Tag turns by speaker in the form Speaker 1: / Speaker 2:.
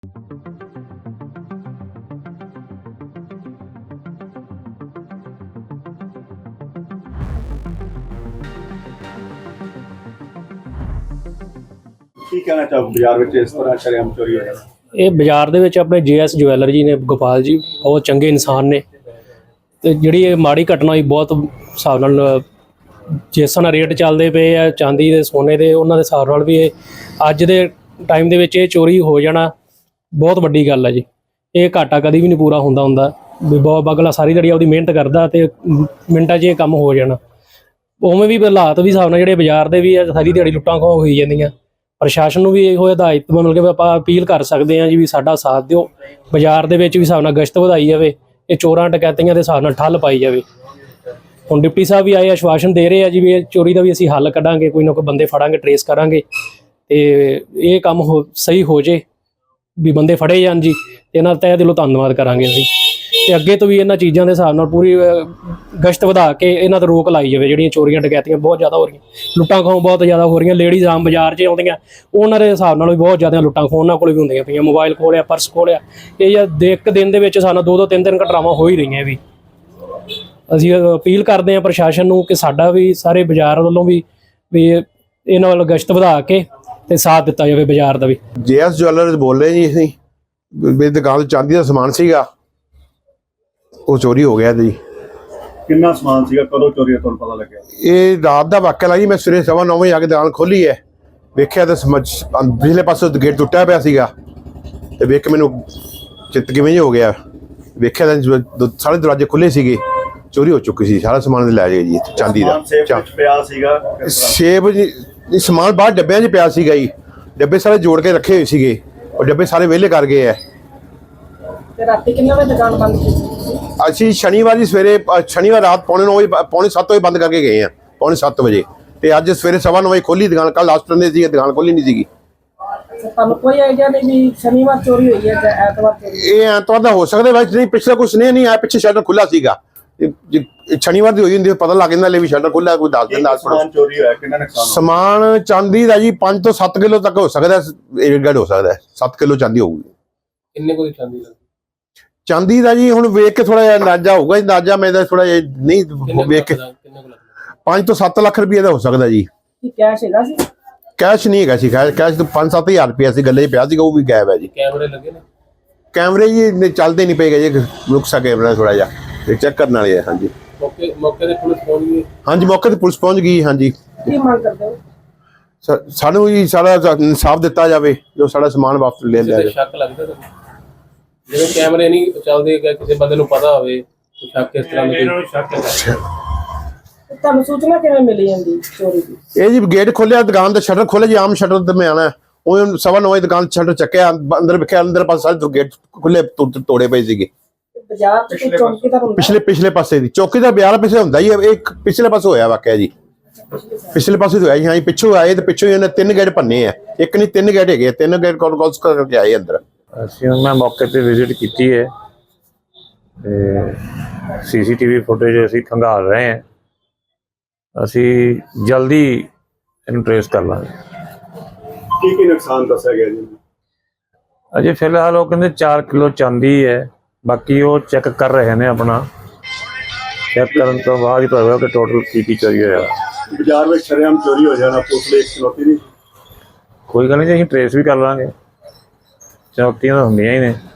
Speaker 1: ਕੀ ਕਹਿਣਾ ਚਾਹੋ ਬਾਜ਼ਾਰ ਵਿੱਚ ਇਸ ਤਰ੍ਹਾਂ ਸ਼ਰੇਆਮ ਚੋਰੀ ਹੋ ਜਾਣਾ?
Speaker 2: ਇਹ ਬਾਜ਼ਾਰ ਦੇ ਵਿੱਚ ਆਪਣੇ JS ਜਵੈਲਰ ਜੀ ਨੇ, ਗੋਪਾਲ ਜੀ ਬਹੁਤ ਚੰਗੇ ਇਨਸਾਨ ਨੇ। ਤੇ ਜਿਹੜੀ ਇਹ ਮਾੜੀ ਘਟਨਾ ਹੋਈ ਬਹੁਤ ਹਿਸਾਬ ਨਾਲ ਜਿਸ ਤਰ੍ਹਾਂ ਰੇਟ ਚੱਲਦੇ ਪਏ ਆ ਚਾਂਦੀ ਦੇ ਸੋਨੇ ਦੇ, ਉਹਨਾਂ ਦੇ ਹਿਸਾਬ ਨਾਲ ਵੀ ਇਹ ਅੱਜ ਦੇ ਟਾਈਮ ਦੇ ਵਿੱਚ ਇਹ ਚੋਰੀ ਹੋ ਜਾਣਾ ਬਹੁਤ ਵੱਡੀ ਗੱਲ ਹੈ ਜੀ। ਇਹ ਘਾਟਾ ਕਦੀ ਵੀ ਨਹੀਂ ਪੂਰਾ ਹੁੰਦਾ ਵੀ ਬਹੁਤ ਅਗਲਾ ਸਾਰੀ ਦਿਹਾੜੀ ਆਪਦੀ ਮਿਹਨਤ ਕਰਦਾ ਤੇ ਮਿੰਟਾਂ 'ਚ ਇਹ ਕੰਮ ਹੋ ਜਾਣਾ। ਉਵੇਂ ਵੀ ਹਾਲਾਤ ਵੀ ਹਿਸਾਬ ਨਾਲ ਜਿਹੜੇ ਬਾਜ਼ਾਰ ਦੇ ਵੀ ਆ, ਸਾਰੀ ਦਿਹਾੜੀ ਲੁੱਟਾਂ ਖੋਹ ਹੋਈ ਜਾਂਦੀਆਂ। ਪ੍ਰਸ਼ਾਸਨ ਨੂੰ ਵੀ ਇਹੋ ਹਦਾਇਤ ਮਤਲਬ ਕਿ ਆਪਾਂ ਅਪੀਲ ਕਰ ਸਕਦੇ ਹਾਂ ਜੀ ਵੀ ਸਾਡਾ ਸਾਥ ਦਿਓ, ਬਾਜ਼ਾਰ ਦੇ ਵਿੱਚ ਵੀ ਹਿਸਾਬ ਨਾਲ ਗਸ਼ਤ ਵਧਾਈ ਜਾਵੇ, ਇਹ ਚੋਰਾਂ ਡਕੈਤੀਆਂ ਦੇ ਹਿਸਾਬ ਨਾਲ ਠੱਲ ਪਾਈ ਜਾਵੇ। ਹੁਣ ਡਿਪਟੀ ਸਾਹਿਬ ਵੀ ਆਏ ਆਸ਼ਵਾਸਨ ਦੇ ਰਹੇ ਆ ਜੀ ਵੀ ਇਹ ਚੋਰੀ ਦਾ ਵੀ ਅਸੀਂ ਹੱਲ ਕੱਢਾਂਗੇ, ਕੋਈ ਨਾ ਕੋਈ ਬੰਦੇ ਫੜਾਂਗੇ, ਟਰੇਸ ਕਰਾਂਗੇ ਤੇ ਇਹ ਕੰਮ ਸਹੀ ਹੋ ਜੇ, ਵੀ ਬੰਦੇ ਫੜੇ ਜਾਣ ਜੀ। ਤੇ ਇਹਨਾਂ ਦਾ ਤਹਿ ਦਿਲੋਂ ਧੰਨਵਾਦ ਕਰਾਂਗੇ ਅਸੀਂ। ਤੇ ਅੱਗੇ ਤੋਂ ਵੀ ਇਹਨਾਂ ਚੀਜ਼ਾਂ ਦੇ ਹਿਸਾਬ ਨਾਲ ਪੂਰੀ ਗਸ਼ਤ ਵਧਾ ਕੇ ਇਹਨਾਂ ਤੇ ਰੋਕ ਲਾਈ ਜਾਵੇ। ਜਿਹੜੀਆਂ ਚੋਰੀਆਂ ਡਕੈਤੀਆਂ ਬਹੁਤ ਜ਼ਿਆਦਾ ਹੋ ਰਹੀਆਂ, ਲੁੱਟਾਂ ਖੋਹ ਬਹੁਤ ਜ਼ਿਆਦਾ ਹੋ ਰਹੀਆਂ। ਲੇਡੀਜ਼ ਆਮ ਬਾਜ਼ਾਰ 'ਚ ਆਉਂਦੀਆਂ, ਉਹਨਾਂ ਦੇ ਹਿਸਾਬ ਨਾਲ ਵੀ ਬਹੁਤ ਜ਼ਿਆਦਾ ਲੁੱਟਾਂ ਖੋਹ ਉਹਨਾਂ ਕੋਲ ਵੀ ਹੁੰਦੀਆਂ ਪਈਆਂ। ਮੋਬਾਈਲ ਖੋਲਿਆ, ਪਰਸ ਖੋਲਿਆ, ਇਹ ਇੱਕ ਦਿਨ ਦੇ ਵਿੱਚ ਸਾਨੂੰ 2-2 3-3 ਘਟਨਾਵਾਂ ਹੋ ਹੀ ਰਹੀਆਂ। ਵੀ ਅਸੀਂ ਅਪੀਲ ਕਰਦੇ ਹਾਂ ਪ੍ਰਸ਼ਾਸਨ ਨੂੰ ਕਿ ਸਾਡਾ ਵੀ ਸਾਰੇ ਬਾਜ਼ਾਰ ਵੱਲੋਂ ਵੀ ਇਹਨਾਂ ਵੱਲ ਗਸ਼ਤ ਵਧਾ ਕੇ ਤੇ ਸਾਥ ਦਿੱਤਾ ਜਾਵੇ ਬਾਜ਼ਾਰ ਦਾ ਵੀ।
Speaker 3: JS ਜਵੈਲਰ ਬੋਲ ਰਹੇ ਜੀ। ਅਸੀਂ ਮੇਰੀ ਦੁਕਾਨ 'ਤੇ ਚਾਂਦੀ ਦਾ ਸਮਾਨ ਸੀਗਾ, ਉਹ ਚੋਰੀ ਹੋ ਗਿਆ ਜੀ।
Speaker 1: ਕਿੰਨਾ ਸਮਾਨ ਸੀਗਾ, ਕਦੋਂ ਚੋਰੀ ਤੁਹਾਨੂੰ ਪਤਾ ਲੱਗਿਆ?
Speaker 3: ਇਹ ਰਾਤ ਦਾ ਵਾਕਿਆ ਜੀ। ਮੈਂ ਸਵੇਰੇ 9:15 ਵਜੇ ਆ ਕੇ ਦੁਕਾਨ ਖੋਲੀ ਹੈ, ਵੇਖਿਆ ਤਾਂ ਪਿਛਲੇ ਪਾਸੇ ਗੇਟ ਟੁੱਟਿਆ ਪਿਆ ਸੀਗਾ ਤੇ ਵੇਖ ਕੇ ਮੈਨੂੰ ਚਿੱਤ ਕਿਵੇਂ ਹੋ ਗਿਆ। ਵੇਖਿਆ ਤਾਂ ਸਾਰੇ ਦਰਵਾਜ਼ੇ ਖੁੱਲੇ ਸੀਗੇ, ਚੋਰੀ ਹੋ ਚੁੱਕੀ ਸੀ। ਸਾਰਾ ਸਮਾਨ ਲੈ ਗਏ ਜੀ ਚਾਂਦੀ ਦਾ।
Speaker 1: ਪਿਆ ਸੀਗਾ
Speaker 3: ਸੇਬ ਜੀ, ਸਮਾਨ ਬਾਹਰ ਡੱਬਿਆਂ 'ਚ ਪਿਆ ਸੀਗਾ ਜੀ। ਡੱਬੇ ਸਾਰੇ ਜੋੜ ਕੇ ਰੱਖੇ ਹੋਏ ਸੀਗੇ, ਉਹ ਡੱਬੇ ਸਾਰੇ ਵਿਹਲੇ ਕਰ ਗਏ ਹੈ।
Speaker 4: ਤੇ ਰਾਤੀ ਕਿੰਨੇ ਵਜੇ ਦੁਕਾਨ ਬੰਦ ਕੀਤੀ?
Speaker 3: ਅਸੀਂ ਸ਼ਨੀਵਾਰ ਰਾਤ 7:45 ਵਜੇ ਬੰਦ ਕਰਕੇ ਗਏ ਆ, 7:45 ਵਜੇ। ਤੇ ਅੱਜ ਸਵੇਰੇ 9:15 ਵਜੇ ਖੋਲੀ ਦੁਕਾਨ। ਕੱਲ ਲਾਸਟ ਸੰਡੇ ਸੀ, ਦੁਕਾਨ ਖੋਲੀ ਨਹੀਂ ਸੀਗੀ।
Speaker 4: ਤੁਹਾਨੂੰ ਕੋਈ ਆਈਡੀਆ ਨਹੀਂ ਵੀ ਸ਼ਨੀਵਾਰ ਚੋਰੀ ਹੋਈ ਹੈ ਜਾਂ ਐਤਵਾਰ ਚੋਰੀ?
Speaker 3: ਇਹ ਐਤਵਾਰ ਦਾ ਹੋ ਸਕਦਾ ਵੈਸੇ, ਨਹੀਂ ਪਿਛਲਾ ਕੁਛ ਨਹੀਂ ਆਇਆ। ਪਿੱਛੇ ਸ਼ਟਰ ਖੁੱਲਾ ਸੀਗਾ, ਸ਼ਨੀਵਾਰ ਦੀ ਹੋਈ ਹੁੰਦੀ ਪਤਾ ਲੱਗ ਜਾਂਦਾ, ਲੈ ਵੀ ਸ਼ਟਰ ਖੁੱਲਾ, ਕੋਈ ਦੱਸ ਦਿੰਦਾ।
Speaker 1: ਸਮਾਨ ਚੋਰੀ ਹੋਇਆ, ਕਿੰਨਾ ਨੁਕਸਾਨ?
Speaker 3: ਸਮਾਨ ਚਾਂਦੀ ਦਾ ਜੀ 5 ਤੋਂ 7 ਕਿਲੋ ਤੱਕ ਹੋ ਸਕਦਾ, ਏਡ ਹੋ ਸਕਦਾ। 7 ਕਿਲੋ ਚਾਂਦੀ ਹੋਊਗੀ।
Speaker 2: ਕਿੰਨੇ ਕੋਈ ਚਾਂਦੀ ਦਾ?
Speaker 3: ਚਾਂਦੀ ਦਾ ਜੀ ਹੁਣ ਵੇਖ ਕੇ ਥੋੜਾ ਜਿਹਾ ਅੰਦਾਜ਼ਾ ਹੋਊਗਾ। ਅੰਦਾਜ਼ਾ ਮੇਰਾ ਥੋੜਾ ਜਿਹਾ ਨਹੀਂ ਵੇਖ ਕੇ 5 ਤੋਂ 7 ਲੱਖ ਰੁਪਏ ਦਾ ਹੋ ਸਕਦਾ ਜੀ।
Speaker 4: ਕੀ ਕੈਸ਼ ਹੈਗਾ ਸੀ?
Speaker 3: ਕੈਸ਼ ਨਹੀਂ ਹੈਗਾ ਸੀ, ਕੈਸ਼ ਤਾਂ 5-7 ਹਜ਼ਾਰ ਰੁਪਇਆ ਸੀ, ਗੱਲੇ 'ਚ ਪਿਆ ਸੀਗਾ, ਉਹ ਵੀ ਗਾਇਬ ਹੈ ਜੀ।
Speaker 2: ਕੈਮਰੇ ਲੱਗੇ ਨੇ?
Speaker 3: ਕੈਮਰੇ ਜੀ ਚੱਲਦੇ ਨਹੀਂ ਪਏਗਾ ਜੀ, ਰੁਕਸਾ ਕੈਮਰਾ ਥੋੜਾ ਜਿਹਾ ਤੇ ਚੈੱਕ ਕਰਨ ਵਾਲੇ ਆ। ਹਾਂਜੀ
Speaker 2: ਮੌਕੇ ਤੇ ਪੁਲਿਸ ਪਹੁੰਚ ਗਈ?
Speaker 3: ਹਾਂਜੀ ਮੌਕੇ ਤੇ ਪੁਲਿਸ ਪਹੁੰਚ ਗਈ। ਹਾਂਜੀ
Speaker 4: ਕੀ ਮੰਗ ਕਰਦੇ ਹੋ?
Speaker 3: ਸਾਨੂੰ ਜੀ ਸਾਰਾ ਇਨਸਾਫ ਦਿੱਤਾ ਜਾਵੇ, ਜੋ ਸਾਡਾ ਸਮਾਨ ਵਾਪਸ ਲੈ ਲਿਆ ਜਾਵੇ।
Speaker 2: ਸ਼ੱਕ ਲੱਗਦਾ ਤੁਹਾਨੂੰ? ਜਿਵੇਂ ਕੈਮਰੇ ਨਹੀਂ ਚੱਲਦੇ, ਕਿਸੇ ਬੰਦੇ ਨੂੰ ਪਤਾ ਹੋਵੇ ਸ਼ੱਕ ਇਸ ਤਰ੍ਹਾਂ ਦਾ?
Speaker 4: ਤੁਹਾਨੂੰ ਸੂਚਨਾ ਕਿਵੇਂ ਮਿਲੀ ਜਾਂਦੀ ਚੋਰੀ ਦੀ?
Speaker 3: ਇਹ ਜੀ ਗੇਟ ਖੋਲਿਆ, ਦੁਕਾਨ ਦਾ ਸ਼ਟਰ ਖੋਲਿਆ ਜੀ, ਆਮ ਸ਼ਟਰ ਤੇ ਮੈਂ ਆਣਾ। ਉਹ 9:15 ਵਜੇ ਦੁਕਾਨ ਸ਼ਟਰ ਚੱਕਿਆ, ਅੰਦਰ ਵੇਖਿਆ, ਅੰਦਰ ਪਾਸੇ ਸਾਰੇ ਗੇਟ ਖੁੱਲੇ ਤੋੜੇ ਪਏ ਸੀਗੇ।
Speaker 4: ਬਾਜ਼ਾਰ ਚ ਕੋਈ ਚੌਕੀਦਾਰ ਹੁੰਦਾ?
Speaker 3: ਪਿਛਲੇ ਪਾਸੇ ਦੀ ਚੌਕੀ ਦਾ ਬਾਜ਼ਾਰ ਪਿੱਛੇ ਹੁੰਦਾ ਹੀ ਹੈ। ਇਹ ਪਿਛਲੇ ਪਾਸੇ ਹੋਇਆ ਵਾਕਿਆ ਜੀ, ਪਿਛਲੇ ਪਾਸੇ ਹੋਇਆ ਜੀ। ਹਾਂ ਜੀ ਪਿੱਛੋਂ ਆਏ ਤੇ ਪਿੱਛੋਂ ਇਹਨੇ 3 ਗੇਟ ਭੰਨੇ ਆ। ਇੱਕ ਨਹੀਂ 3 ਗੇਟ ਹੈਗੇ, 3 ਗੇਟ ਕੌਸ ਕਰਕੇ ਆਏ ਅੰਦਰ।
Speaker 5: ਅਸੀਂ ਮੈਂ ਮੌਕੇ ਤੇ ਵਿਜ਼ਿਟ ਕੀਤੀ ਹੈ ਤੇ CCTV ਫੁਟੇਜ ਅਸੀਂ ਖੰਗਾਲ ਰਹੇ ਹਾਂ। ਅਸੀਂ ਜਲਦੀ ਇਹਨੂੰ ਟ੍ਰੇਸ ਕਰ ਲਾਂਗੇ।
Speaker 1: ਕੀ ਨੁਕਸਾਨ ਦੱਸਿਆ ਗਿਆ ਜੀ?
Speaker 5: ਅਜੇ ਫਿਲਹਾਲ ਉਹ ਕਹਿੰਦੇ 4 ਕਿਲੋ ਚਾਂਦੀ ਹੈ, ਬਾਕੀ ਉਹ ਚੈੱਕ ਕਰ ਰਹੇ ਨੇ। ਆਪਣਾ ਚੈੱਕ ਕਰਨ ਤੋਂ ਬਾਅਦ ਹੀ ਪਤਾ ਹੋਗਾ ਕਿ ਟੋਟਲ ਕੀ ਚੋਰੀ ਹੋਇਆ।
Speaker 1: ਬਾਜ਼ਾਰ ਵਿੱਚ ਸ਼ਰੇਆਮ ਚੋਰੀ ਹੋ ਜਾਣਾ ਪੁਲਿਸ ਲਈ ਇੱਕ ਚੁਣੌਤੀ ਨਹੀਂ?
Speaker 5: ਕੋਈ ਗੱਲ ਨਹੀਂ ਜੀ, ਅਸੀਂ ਟ੍ਰੇਸ ਵੀ ਕਰ ਲਾਂਗੇ। ਚੁਣੌਤੀਆਂ ਤਾਂ ਹੁੰਦੀਆਂ ਹੀ ਨੇ।